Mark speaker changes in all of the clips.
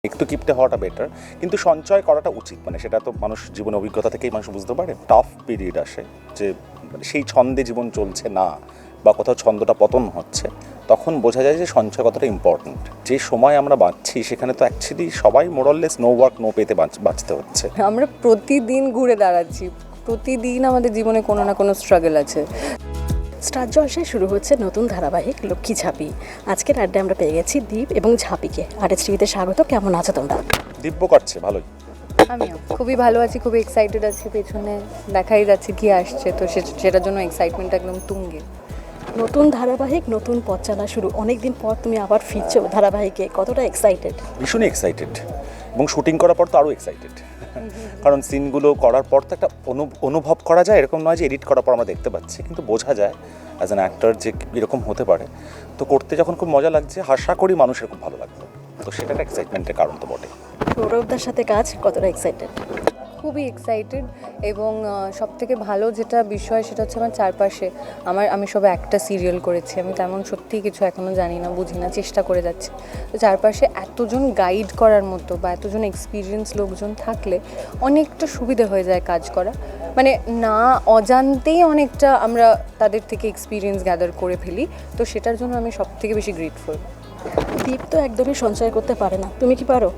Speaker 1: একটু কিপটে হওয়াটা বেটার, কিন্তু সঞ্চয় করাটা উচিত। মানে সেটা তো মানুষ জীবনের অভিজ্ঞতা থেকেই মানুষ বুঝতে পারে। টাফ পিরিয়ড আসে যে সেই ছন্দে জীবন চলছে না বা কোথাও ছন্দটা পতন হচ্ছে, তখন বোঝা যায় যে সঞ্চয় কতটা ইম্পর্ট্যান্ট। যে সময় আমরা বাঁচছি সেখানে তো অ্যাকচুয়ালি সবাই মোরাললেস নো ওয়ার্ক নো পেতে বাঁচতে হচ্ছে।
Speaker 2: আমরা প্রতিদিন ঘুরে দাঁড়াচ্ছি, প্রতিদিন আমাদের জীবনে কোনো না কোনো স্ট্রাগল আছে।
Speaker 3: স্টার জলসায় শুরু হচ্ছে নতুন ধারাবাহিক লক্ষ্মী ঝাঁপি। আজকের আড্ডায় আমরা পেয়ে গেছি দীপ এবং ঝাঁপিকে। আরএস টিভিতে স্বাগত। কেমন আছো তোমরা?
Speaker 1: দিব্য কাটছে ভালোই।
Speaker 2: আমিও খুবই ভালো আছি, খুবই এক্সাইটেড আছি। পেছনে দেখাই যাচ্ছে কি আসছে, তো সেটার জন্য এক্সাইটমেন্ট একদম তুঙ্গে।
Speaker 3: নতুন ধারাবাহিক, নতুন পথ চলা শুরু। অনেকদিন পর তুমি আবার ফিরছো ধারাবাহিকে, কতটা এক্সাইটেড?
Speaker 1: ভীষণই এক্সাইটেড, এবং শুটিং করার পর তো আরও এক্সাইটেড। কারণ সিনগুলো করার পর তো একটা অনুভব করা যায়, এরকম নয় যে এডিট করার পর আমরা দেখতে পাচ্ছি, কিন্তু বোঝা যায় অ্যাজ অ্যান অ্যাক্টর যে এরকম হতে পারে। তো করতে যখন খুব মজা লাগছে, আশা করি মানুষের খুব ভালো লাগবে। তো সেটা একটা এক্সাইটমেন্টের কারণ তো বটে।
Speaker 3: সৌরভদার সাথে কাজ কতটা এক্সাইটেড?
Speaker 2: খুবই এক্সাইটেড, এবং সবথেকে ভালো যেটা বিষয় সেটা হচ্ছে আমার চারপাশে আমি সবে একটা সিরিয়াল করেছি, আমি তেমন সত্যিই কিছু এখনও জানি না, বুঝি না, চেষ্টা করে যাচ্ছি। তো চারপাশে এতজন গাইড করার মতো বা এতজন এক্সপিরিয়েন্স লোকজন থাকলে অনেকটা সুবিধে হয়ে যায় কাজ করা। মানে না অজান্তেই অনেকটা আমরা তাদের থেকে এক্সপিরিয়েন্স গ্যাদার করে ফেলি। তো সেটার জন্য আমি সবথেকে বেশি গ্রেটফুল।
Speaker 3: দীপ তো একদমই সঞ্চয় করতে পারে না, তুমি কি পারো?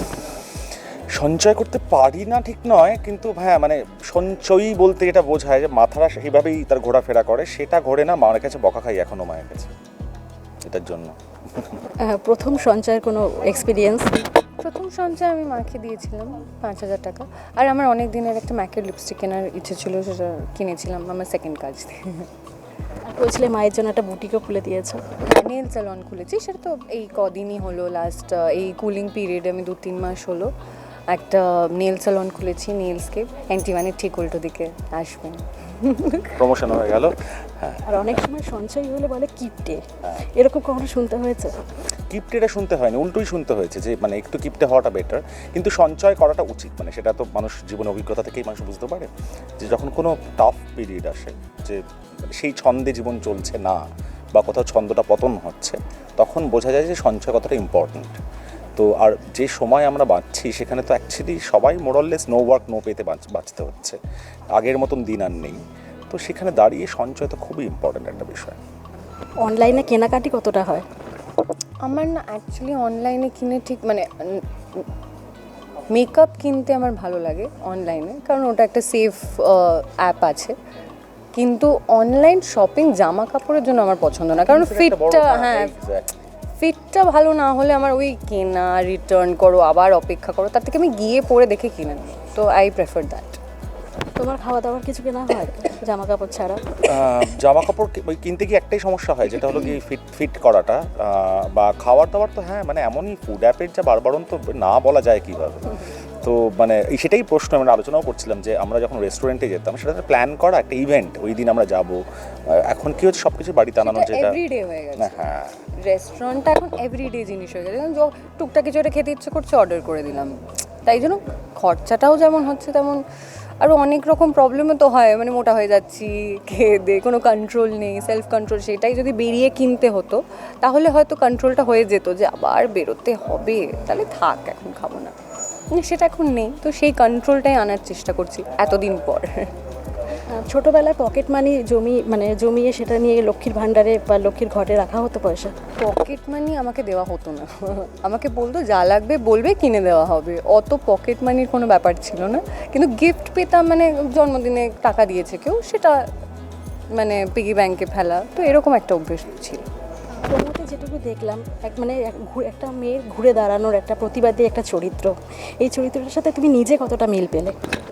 Speaker 1: সঞ্চয় করতে পারি না ঠিক নয়, কিন্তু হ্যাঁ মানে সঞ্চয়ই বলতে এটা বোঝায় যে মাথাটা সেইভাবেই তার ঘোরাফেরা করে, সেটা ঘোরে না। মায়ের কাছে বকা খাই এখনও মায়ের কাছে এটার জন্য।
Speaker 3: প্রথম সঞ্চয়ের কোনো এক্সপিরিয়েন্স?
Speaker 2: প্রথম সঞ্চয় আমি মাকে দিয়েছিলাম 5,000 টাকা। আর আমার অনেক দিনের একটা ম্যাকের লিপস্টিক কেনার ইচ্ছে ছিল, সেটা কিনেছিলাম আমার সেকেন্ড কাজ দিয়ে।
Speaker 3: বলছিলে মায়ের জন্য একটা বুটিকও খুলে দিয়েছো।
Speaker 2: নেল স্যালন খুলেছি, সেটা তো এই কদিনই হলো, লাস্ট এই কুলিং পিরিয়ডে আমি 2-3 মাস হলো একটা নেল স্যালন খুলেছি। নেলসকে অ্যান্টিমানের ঠিক উল্টো দিকে আসবেন,
Speaker 1: প্রমোশন হয়ে গেল। হ্যাঁ,
Speaker 3: আর অনেক সময় সঞ্চয় হলে বলে কিপটে, এরকম কখনো শুনতে হয়েছে?
Speaker 1: কিপটেটা শুনতে হয়নি, উল্টোই শুনতে হয়েছে যে মানে একটু কিপটে হওয়াটা বেটার, কিন্তু সঞ্চয় করাটা উচিত। মানে সেটা তো মানুষ জীবনের অভিজ্ঞতা থেকেই মানুষ বুঝতে পারে যে যখন কোনো টাফ পিরিয়ড আসে, যে সেই ছন্দে জীবন চলছে না বা কোথাও ছন্দটা পতন হচ্ছে, তখন বোঝা যায় যে সঞ্চয় কতটা ইম্পর্ট্যান্ট। তো আর যে সময় আমরা বাঁচছি সেখানে তো অ্যাকচুয়ালি সবাই মোরাললেস নো ওয়ার্ক নো পেতে বাঁচতে হচ্ছে। আগের মতন দিন আর নেই। তো সেখানে দাঁড়িয়ে সঞ্চয় তো খুবই ইম্পর্ট্যান্ট একটা বিষয়।
Speaker 3: অনলাইনে কেনাকাটি কতটা হয়?
Speaker 2: আমার না অ্যাকচুয়ালি অনলাইনে কিনে ঠিক মানে মেকআপ কিনতে আমার ভালো লাগে অনলাইনে, কারণ ওটা একটা সেফ অ্যাপ আছে। কিন্তু অনলাইন শপিং জামা কাপড়ের জন্য আমার পছন্দ না, কারণ ফিটটা ভালো না হলে আমার ওই কেনা, রিটার্ন করো, আবার অপেক্ষা করো, তার থেকে আমি গিয়ে পরে দেখে কিনে নিই। তো আই প্রেফার দ্যাট।
Speaker 3: তোমার খাওয়া দাওয়ার কিছু কেনা হয় জামা কাপড় ছাড়া?
Speaker 1: জামা কাপড় কিনতে গিয়ে একটাই সমস্যা হয়, যেটা হলো কি ফিট করাটা। বা খাবার দাবার তো হ্যাঁ মানে এমনই ফুড অ্যাপের যা বারবারন তো না বলা যায় কীভাবে। তো মানে সেটাই প্রশ্ন আমরা আলোচনাও করছিলাম যে আমরা যখন রেস্টুরেন্টে যেতাম, সেটা প্ল্যান করা একটা ইভেন্ট, ওই দিন আমরা যাব। এখন কি হচ্ছে, সব কিছু বাড়িতে আনানো, যেটা
Speaker 2: এভরিডে হয়ে গেছে।
Speaker 1: হ্যাঁ,
Speaker 2: রেস্টুরেন্টটা এখন এভরিডে জিনিস হয়ে গেছে। টুকটাক কিছু একটা খেতে ইচ্ছে করছে, অর্ডার করে দিলাম। তাই জন্য খরচাটাও যেমন হচ্ছে, তেমন আরও অনেক রকম প্রবলেমও তো হয়। মানে মোটা হয়ে যাচ্ছি, খেয়ে দে, কোনো কন্ট্রোল নেই, সেলফ কন্ট্রোল। সেটাই যদি বেরিয়ে কিনতে হতো তাহলে হয়তো কন্ট্রোলটা হয়ে যেত, যে আবার বেরোতে হবে, তাহলে থাক এখন খাবো না। সেটা এখন নেই, তো সেই কন্ট্রোলটাই আনার চেষ্টা করছি এতদিন পর।
Speaker 3: ছোটোবেলায় পকেট মানি জমিয়ে সেটা নিয়ে লক্ষ্মীর ভাণ্ডারে বা লক্ষ্মীর ঘরে রাখা হতো পয়সা?
Speaker 2: পকেট মানি আমাকে দেওয়া হতো না। আমাকে বলতো যা লাগবে বলবে, কিনে দেওয়া হবে। অত পকেট মানির কোনো ব্যাপার ছিল না। কিন্তু গিফট পেতাম, মানে জন্মদিনে টাকা দিয়েছে কেউ, সেটা মানে পিগি ব্যাংকে ফেলা, তো এরকম একটা অভ্যেস ছিল।
Speaker 3: প্রমোতে যেটুকু দেখলাম একটা মেয়ের ঘুরে দাঁড়ানোর একটা প্রতিবাদী একটা চরিত্র, এই চরিত্রটার সাথে তুমি নিজে কতটা মিল পেলে?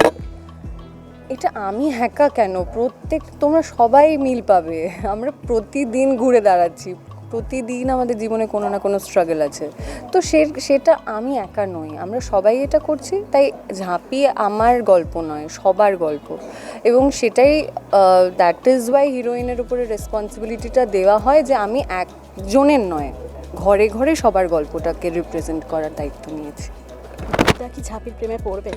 Speaker 2: এটা আমি একা কেন, তোমরা সবাই মিল পাবে। আমরা প্রতিদিন ঘুরে দাঁড়াচ্ছি, প্রতিদিন আমাদের জীবনে কোনো না কোনো স্ট্রাগল আছে। তো সেটা আমি একা নই, আমরা সবাই এটা করছি। তাই ঝাঁপি আমার গল্প নয়, সবার গল্প। এবং সেটাই দ্যাট ইজ ওয়াই হিরোইনের উপরে রেসপন্সিবিলিটিটা দেওয়া হয়, যে আমি একজনের নয়, ঘরে ঘরে সবার গল্পটাকে রিপ্রেজেন্ট করার দায়িত্ব নিয়েছি।
Speaker 3: এটা কি ঝাঁপির প্রেমে পড়বে?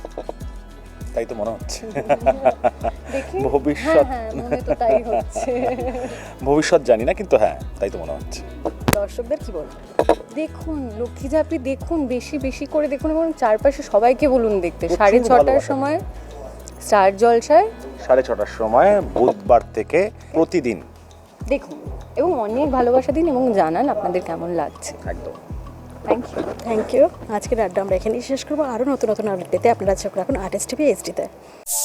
Speaker 1: তাই তো মনে হচ্ছে।
Speaker 2: দেখি,
Speaker 1: ভবিষ্যৎ
Speaker 2: মনে তো তাই হচ্ছে।
Speaker 1: ভবিষ্যৎ জানি না, কিন্তু হ্যাঁ তাই তো মনে হচ্ছে।
Speaker 3: দর্শকদের কি বলবো?
Speaker 2: দেখুন লক্ষ্মী ঝাঁপি দেখুন, বেশি বেশি করে দেখুন এবং চারপাশে সবাইকে বলুন দেখতে।
Speaker 1: প্রচুর
Speaker 2: 6:30টার
Speaker 1: ভালোবাসা।
Speaker 2: সময় স্টার জলসায়
Speaker 1: 6:30টার সময় বুধবার থেকে প্রতিদিন।
Speaker 2: দেখুন এবং অনেক ভালোবাসা দিন এবং জানান আপনাদের কেমন লাগছে।
Speaker 1: একদম।
Speaker 2: Thank you.
Speaker 3: Thank you. আজকের আড্ডা আমরা এখানেই শেষ করবো। আরও নতুন নতুন আপডেট পেতে আপনারা চোখ রাখুন আর্টিস্ট টিভি এইচডিতে।